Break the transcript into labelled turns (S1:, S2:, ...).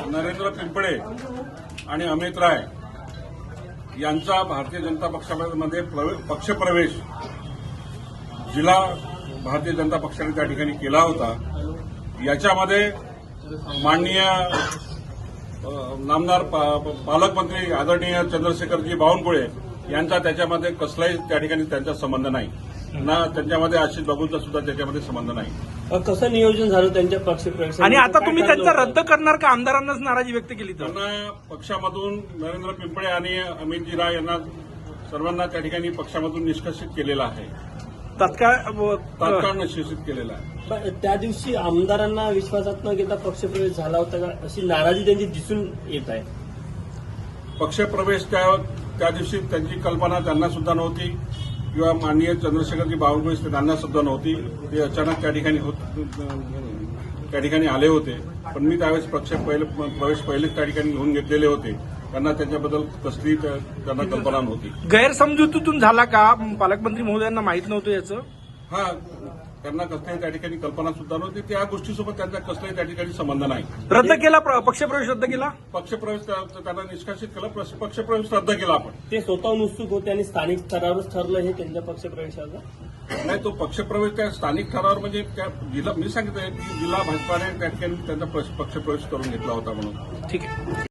S1: नरेंद्र पिंपळे आणि अमित राय यांचा भारतीय जनता पक्षामध्ये पक्षप्रवेश जिल्हा भारतीय जनता पक्षाने त्या ठिकाणी केला होता। याच्यामध्ये माननीय नामदार पालकमंत्री आदरणीय चंद्रशेखरजी बावनकुळे यांचा त्याच्यामध्ये कसलाही त्या ठिकाणी त्यांचा संबंध नाही ना, त्यांच्यामध्ये आशिष बाबूंचा सुद्धा त्याच्यामध्ये संबंध नाही।
S2: कसं नियोजन झालं त्यांच्या पक्षप्रवेश
S3: आणि आता तुम्ही त्यांचा रद्द करणार का? आमदारांनाच नाराजी व्यक्त केली तर
S1: त्यांना पक्षामधून नरेंद्र पिंपळे आणि अमितजी राय यांना सर्वांना त्या ठिकाणी पक्षामधून निष्कासित केलेला आहे, तात्काळ निष्कासित केलेला आहे।
S2: त्या दिवशी आमदारांना विश्वासात न घेता पक्षप्रवेश झाला होता का, अशी नाराजी त्यांची दिसून येत आहे।
S1: पक्षप्रवेश त्या दिवशी त्यांची कल्पना त्यांना सुद्धा नव्हती किंवा माननीय चंद्रशेखरजी बावनकुळे त्यांना सुद्धा नव्हती। ते अचानक त्या ठिकाणी आले होते, पण मी त्यावेळेस प्रवेश पहिलेच त्या ठिकाणी घेऊन घेतलेले होते। त्यांना त्याच्याबद्दल कसली त्यांना कल्पना नव्हती।
S3: गैरसमजुतीतून झाला का? पालकमंत्री महोदयांना माहित नव्हतं याचं?
S1: हा, त्यांना कसल्याही त्या ठिकाणी कल्पना सुद्धा नव्हती। त्या गोष्टीसोबत त्यांचा कसलाही त्या ठिकाणी संबंध नाही।
S3: रद्द केला पक्षप्रवेश रद्द केला,
S1: पक्षप्रवेश त्यांना निष्कासित केला, पक्षप्रवेश रद्द केला। आपण
S2: ते स्वतःहून उत्सुक होते आणि स्थानिक स्तरावरच ठरलं हे त्यांच्या पक्षप्रवेशाचं
S1: नाही, तो पक्षप्रवेश त्या स्थानिक स्तरावर म्हणजे त्या जिल्हा मी सांगितलं की जिल्हा भाजपाने त्या ठिकाणी त्यांचा पक्षप्रवेश करून घेतला होता म्हणून।
S3: ठीक आहे।